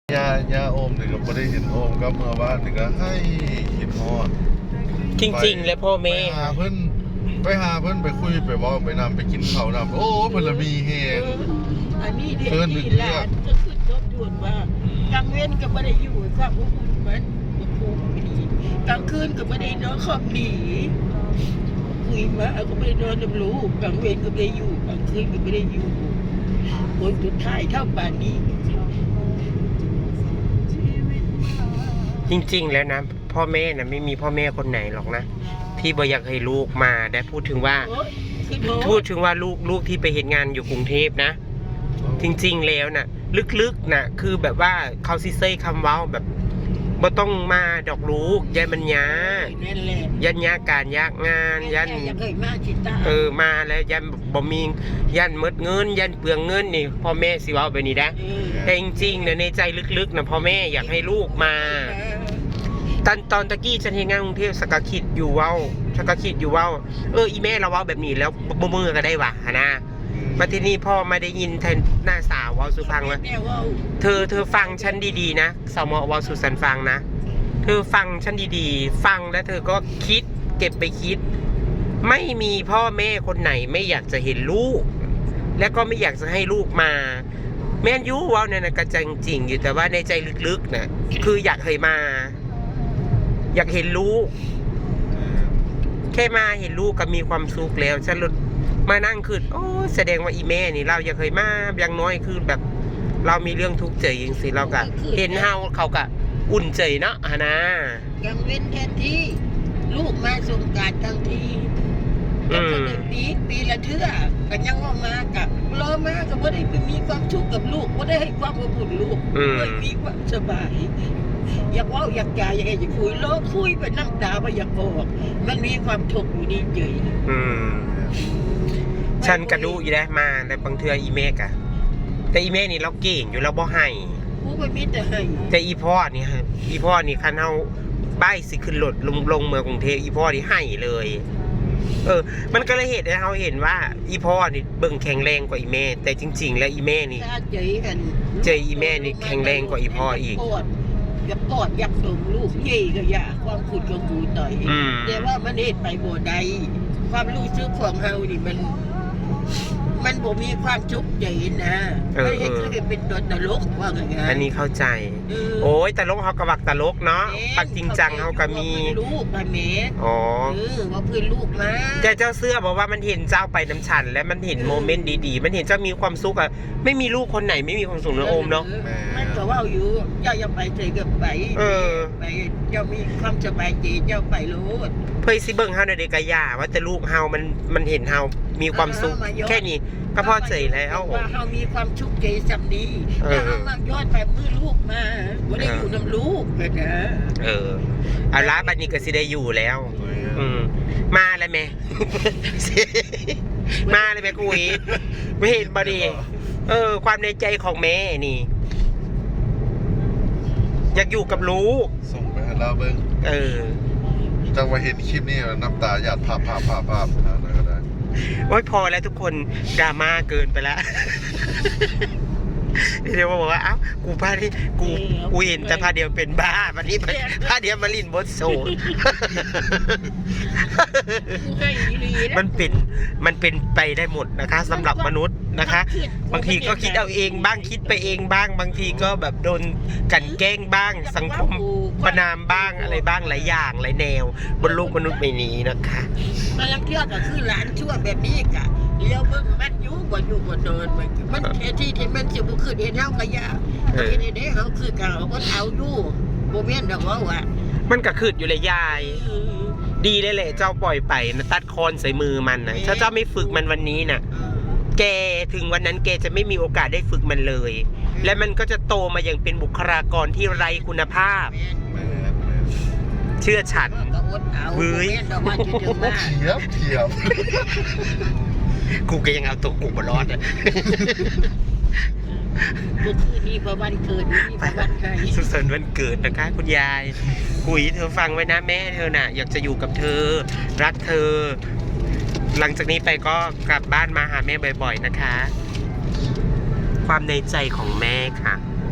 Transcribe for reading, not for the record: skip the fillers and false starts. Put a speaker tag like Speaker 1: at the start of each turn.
Speaker 1: ย่าโอมนี่ก็ไม่ได้เห็นโอมก็เมื่อวานนี่ก็ให้คิดฮอด
Speaker 2: จริงๆแล้วพ่อแม่
Speaker 1: ไปหาเพิ่นไปคุยไปเว้าไปนำไปกินข้าวนำโอ้เพิ่นละมีแฮง
Speaker 3: อันนี้เด็กที่หลานก็คือทบทวนว่ากลางเว้นก็ไม่ได้อยู่ความอบอุ่นมันภูมิดีกลางคืนก็ไม่ได้นอนครอบหนีคุยมาก็ไม่ได้นอนกับลูกกลางเว้นก็ไม่ได้อยู่กลางคืนก็ไม่ได้อยู่คนสุดท้ายเท่าป่านนี้
Speaker 2: จริงๆแล้วนะพ่อแม่นะไม่มีพ่อแม่คนไหนหรอกนะที่บ่อยากให้ลูกมาได้พูดถึงว่าลูกที่ไปเห็นงานอยู่กรุงเทพนะจริงๆแล้วนะลึกๆนะคือแบบว่าเขาซิเซ่คำเว้าแบบบ่ต้องมาดอกลูกยันมันยายันยาการยากงานยันมาแล้วยันบ่มียันหมดเงินยันเปลืองเงินนี่พ่อแม่สิเว้าแบบนี้นะแต่จริงๆนะในใจลึกๆนะพ่อแม่อยากให้ลูกมาตอนตะกี้ฉันเห็นงานกรุงเทพสกคิดอยู่เว้าอีแม่เราเว้าแบบนี้แล้วบ่มือก็ได้ว่ะนะมาที่นี่พ่อไม่ได้ยินแทนหน้าสาวเว้าสุพังว่าเธอฟังฉันดีๆนะสาวหมอเว้าสุสันฟังนะเธอฟังฉันดีๆฟังแล้วเธอก็คิดเก็บไปคิดไม่มีพ่อแม่คนไหนไม่อยากจะเห็นลูกและก็ไม่อยากจะให้ลูกมาแม่นยูเว้าเนี่ยนะกระจังจริงอยู่แต่ว่าในใจลึกๆนะคืออยากให้มาอยากเห็นลูกแค่มาเห็นลูกก็มีความสุขแล้วฉันมานั่งคือโอ้แสดงว่าอีแม่นี่เราอยากเคยมาอย่างน้อยคือแบบเรามีเรื่องทุกข์ใจอย่างสิเราก็เห็นเขาก็อุ่นใจเนาะนะ
Speaker 3: ยังเว้นแทนที่ลูกมาสงกรานต์ทั้งทีก็จะปีละเทื่อกันยังว่ามากับรอมาก็ไม่ได้ไปมีความทุกข์กับลูกไม่ได้ให้ความอบอุ่นลูกไม่มีความสบายอยากว่าอยากจ่ายอยากจะคุยโลกคุยไปน้ำตาไปอยากบอกมันมีความทุกข์อยู่นี่เฉย
Speaker 2: ฉันกระดูอีแล้วมาแต่บางเทื่ออีเมกอะแต่อีเมกนี่เราเก่งอยู่เราบ่ให้
Speaker 3: ผู้ไม่มีแต่ให้
Speaker 2: แต่อีพ่อนี่คันเฮาบ้ายสิขึ้นรถลงเมืองกรุงเทพอีพ่อนี่ให้เลยมันก็เลยเหตุให้เราเห็นว่าอีพ่อนี่เบิ่งแข็งแรงกว่าอีเมแต่จริงๆแล้วอีเมนี่เจออีเมนี่แข็งแรงกว่าอีพ่ออีก
Speaker 3: อยากกอดอยากส่งลูกเย่ก็อยากความขุดของกูต่อยแต่ว่ามันเหตุไปบ่ได้ความรู้สึกของเฮานี่มันบ่มีความชุกใจนะไม่ใช่คือเป็นตัวตลกว่าไง
Speaker 2: อันนี้เข้าใจโอ้ยตลกเขากระวักตลกเนาะปักจริงจังเขาก็มี
Speaker 3: ลูกมาเมสว่าเพื่อนลูกมา
Speaker 2: แต่เจ้าเสื้อบอกว่ามันเห็นเจ้าไปน้ำฉันและมันเห็นโมเมนต์ดีๆมันเห็นเจ้ามีความสุขอะไม่มีลูกคนไหนไม่มีความสุขนะโอมเนาะ
Speaker 3: มันก็ว่าอยู่เจ้าอย่าไปเฉยกับไปเจ้ามีความสบายใจเจ้าไปรู้
Speaker 2: เพื่อสิเบิ่งเฮาในเด็กกะยาว่าแต่ลูกเฮามันเห็นเฮามีความสุขแค่นี้ก็พอใจแล้ว
Speaker 3: ว่าเฮามีความชุกใจสำดีแต่เฮามายอดไปมือลูกมาบ่ได้อยู่น้ำลูกเลยนะ
Speaker 2: เอาละบัดนี้ก็สิได้อยู่แล้วมาแล้วแม่มาเลยแม่กุยไม่เห็นบ่ดีความในใจของแม่นี่อยากอยู่กับลูก
Speaker 1: ส่งไปให้เราเบิ่งจังว่าเห็นคลิปนี้น้ำตาหยาดภาพอะไรก็ได้
Speaker 2: โอ้ยพอแล้วทุกคนดราม่าเกินไปแล้วเดี๋ยวมาบอกว่าเอ้ากูพาที่กูเห็นแต่พาเดียวเป็นบ้าวันนี้พาเดียวมาลินบดโซนมันเป็นไปได้หมดนะคะสำหรับมนุษย์นะคะบางทีก็คิดเอาเองบ้างคิดไปเองบ้างบางทีก็แบบโดนกันแกล้งบ้างสังคมประนามบ้างอะไรบ้างหลายอย่างหลายแนวบนโลกมนุษย์ใบนี้นะคะ
Speaker 3: มันยังเที่ยวก็คือหลานชั่วแบบนี้กะเลี้ยวเบิ่งมันอยู่บ่เดินมันที่มันสิบ่ขึ้นเห็นเฮาก็ยากเห็นได้เฮาคือกันเฮาก็เอาอยู่บ่แม่นดอกว่า
Speaker 2: มันก็ขึ้นอยู่เลยยายดีได้เลยเจ้าปล่อยไปนะตัดคอนใส่มือมันนะถ้าเจ้าไม่ฝึกมันวันนี้นะแกถึงวันนั้นแกจะไม่มีโอกาสได้ฝึกมันเลยและมันก็จะโตมาอย่างเป็นบุคลากรที่ไร้คุณภาพเชื่อฉัน
Speaker 1: เฮ้ยเทียบ
Speaker 2: กูก็ยังเอาตัวกูมารอด
Speaker 3: นี่พอวันเกิดนี่พอวันใคร
Speaker 2: สุขสันต์วันเกิดนะคะคุณยายกุยเธอฟังไว้นะแม่เธอน่ะอยากจะอยู่กับเธอรักเธอหลังจากนี้ไปก็กลับบ้านมาหาแม่บ่อยๆนะคะความในใจของแม่ค่ะ